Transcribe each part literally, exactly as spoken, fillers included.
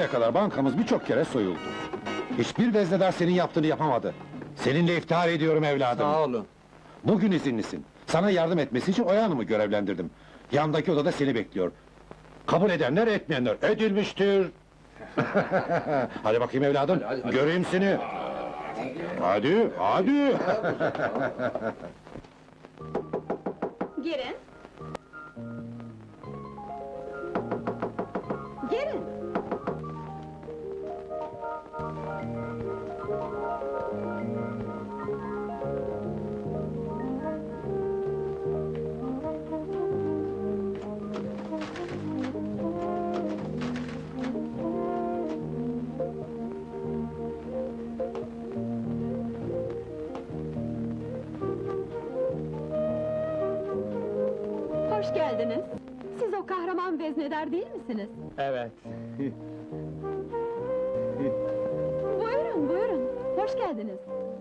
Şimdiye kadar bankamız birçok kere soyuldu. Hiçbir veznedar senin yaptığını yapamadı. Seninle iftihar ediyorum evladım. Sağ olun. Bugün izinlisin. Sana yardım etmesi için Oya Hanım'ı görevlendirdim. Yandaki odada seni bekliyor. Kabul edenler, etmeyenler edilmiştir. Hadi bakayım evladım, Hadi, hadi, hadi. göreyim seni. Hadi, hadi. Girin. Girin. Hoş geldiniz. Siz o kahraman veznedar değil misiniz? Evet. Buyurun, buyurun. Hoş geldiniz.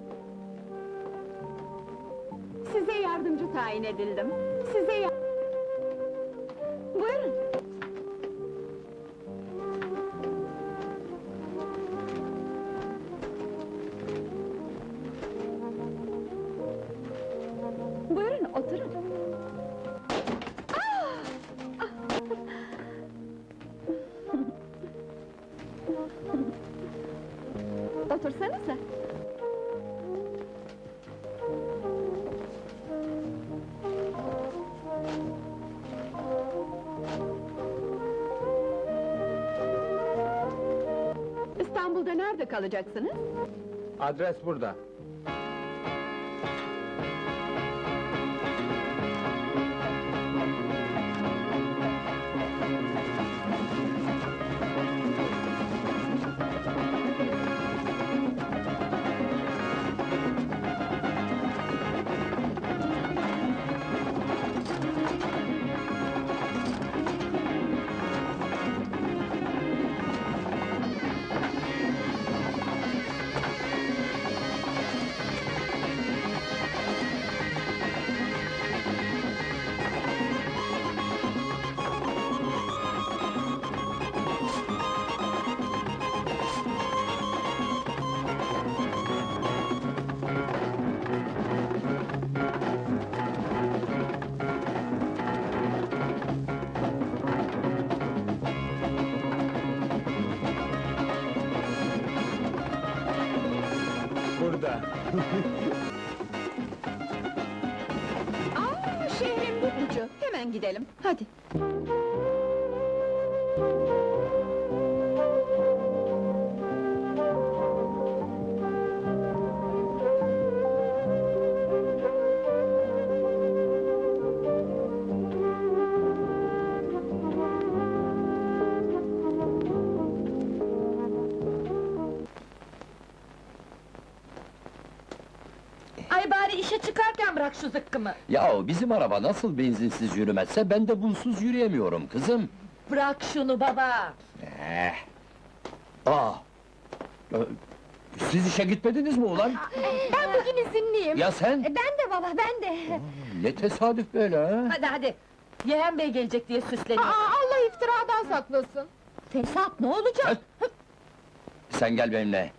Size yardımcı tayin edildim. Size ya... Buyurun. Buyurun, oturun. Otursanıza. İstanbul'da nerede kalacaksınız? Adres burada. Burada. Aa, şehrin bir ucu. Hemen gidelim. Hadi. Ay bari işe çıkarken bırak şu zıkkımı! Yahu bizim araba nasıl benzinsiz yürümezse ben de bunsuz yürüyemiyorum kızım. Bırak şunu baba! Eh. Aa! Ee, Siz işe gitmediniz mi ulan? Ben bugün izinliyim! Ya sen? Ben de baba, ben de! Ne tesadüf böyle ha? Hadi hadi! Yeğen bey gelecek diye süsleniyor! Allah iftiradan saklasın. Fesat ne olacak? Sen gel benimle.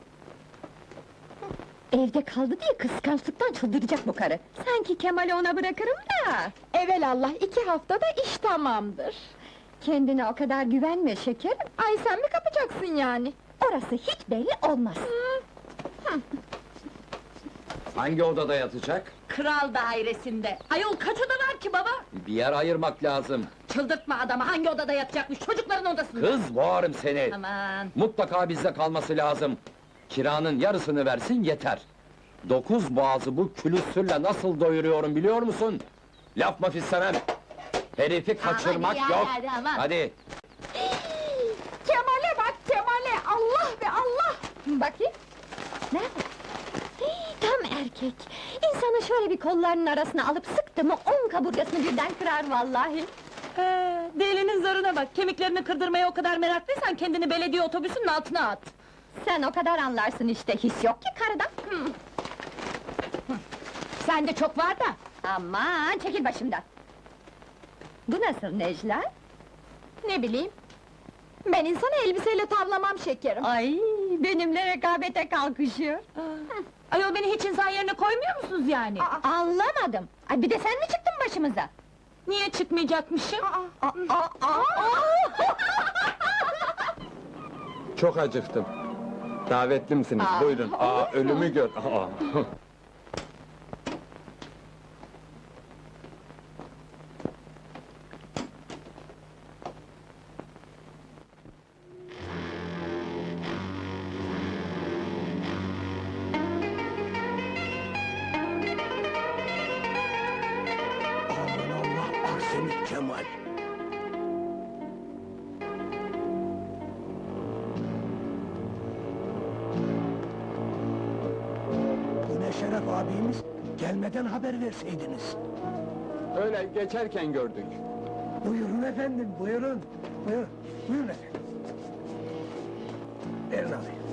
Evde kaldı diye kıskançlıktan çıldıracak bu karı! Sanki Kemal'i ona bırakırım da! Evelallah iki haftada iş tamamdır. Kendine o kadar güvenme şekerim! Ay sen mi kapacaksın yani? Orası hiç belli olmaz! Hangi odada yatacak? Kral dairesinde! Ayol kaç oda var ki baba? Bir yer ayırmak lazım. Çıldırtma adamı, hangi odada yatacakmış? Çocukların odasında! Kız boğarım seni! Aman! Mutlaka bizde kalması lazım. Kiranın yarısını versin yeter. Dokuz boğazı bu külüstürle nasıl doyuruyorum biliyor musun? Laf maf istemem. Herifi kaçırmak hadi ya, yok. hadi aman. Hadi. Kemal'e bak Kemal'e! Allah be Allah! Bakayım! Nerede? Hii, tam erkek! İnsanı şöyle bir kollarının arasına alıp sıktı mı on kaburgasını birden kırar vallahi! Ee, delinin zarına bak! Kemiklerini kırdırmaya o kadar meraklıysan kendini belediye otobüsünün altına at! Sen o kadar anlarsın işte, his yok ki karıdan! Hı. Hı. Sende çok var da! Aman, çekil başımdan! Bu nasıl Necla? Ne bileyim, Ben insanı elbiseyle tavlamam şekerim. Ay, benimle rekabete kalkışıyor. Ayol beni hiç insan yerine koymuyor musunuz yani? Aa, anlamadım. Ay bir de sen mi çıktın başımıza? Niye çıkmayacakmışım? Aa, aa, aa. Çok acıktım. Davetlimsiniz, Aa, buyurun. Aa, ölümü gör. Aa. Aman Allah, Arsenik Kemal! Bu ne şeref abimiz, gelmeden haber verseydiniz. Öyle geçerken gördük. Buyurun efendim, buyurun. Buyurun, buyurun efendim. Verin alayım.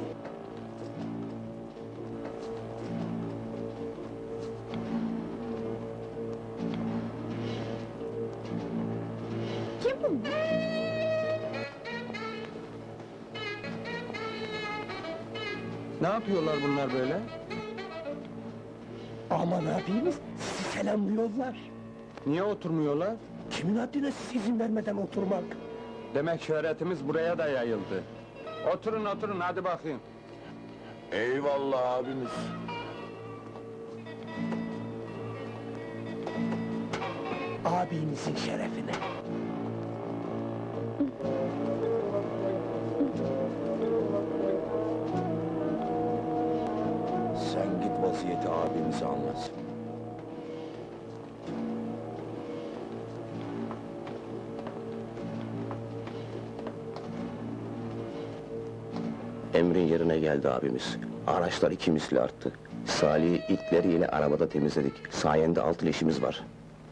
Kim bu? Ne yapıyorlar bunlar böyle? Aman abimiz, sizi selamlıyorlar. Niye oturmuyorlar? Kimin haddine siz izin vermeden oturmak? Demek şöhretimiz buraya da yayıldı. Oturun oturun, hadi bakayım. Eyvallah abimiz. Abinizin şerefine. Sen git vaziyeti abimize anlat. Emrin yerine geldi abimiz. Araçlar iki misli arttı. Salih'i itleriyle arabada temizledik. Sayende altın işimiz var.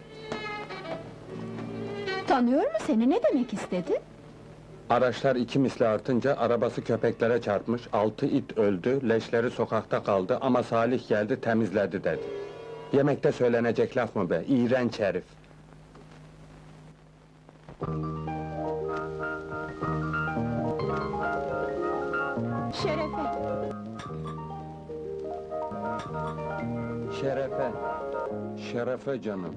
Tanıyor mu seni, ne demek istedi? Araçlar iki misli artınca arabası köpeklere çarpmış, altı it öldü, leşleri sokakta kaldı ama Salih geldi temizledi dedi. Yemekte söylenecek laf mı be, iğrenç herif! Şerefe. Şerefe, şerefe canım.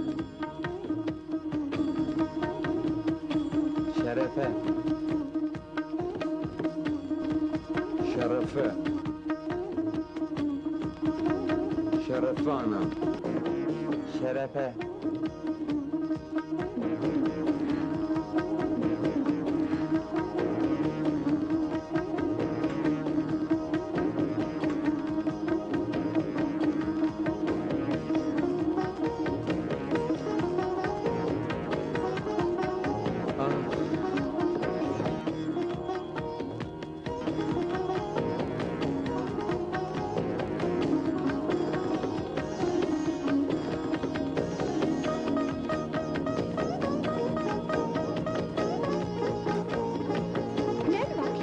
Şerefe. Şerefe. Şerefe anam. Şerefe. Ne var?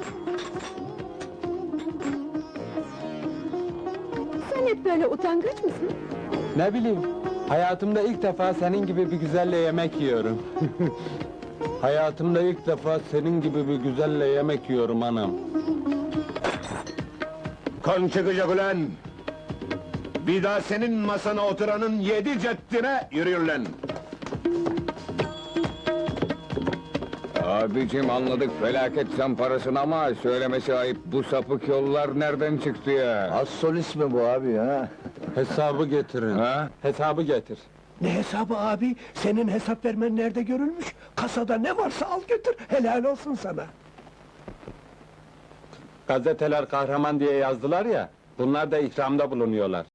Sen hep böyle utangaç mısın? Ne bileyim, hayatımda ilk defa senin gibi bir güzelle yemek yiyorum. Hayatımda ilk defa senin gibi bir güzelle yemek yiyorum anam. Kan çıkacak ulan! Bir daha senin masana oturanın yedi ceddine yürüyün lan! Abicim anladık felaket zamparasını ama söylemesi ayıp, bu sapık yollar nereden çıktı ya? Az solist mi bu abi ha? Hesabı getirin. Ha? Hesabı getir. Ne hesabı abi? Senin hesap vermen nerede görülmüş? Kasada ne varsa al götür, helal olsun sana. Gazeteler kahraman diye yazdılar ya, bunlar da ikramda bulunuyorlar.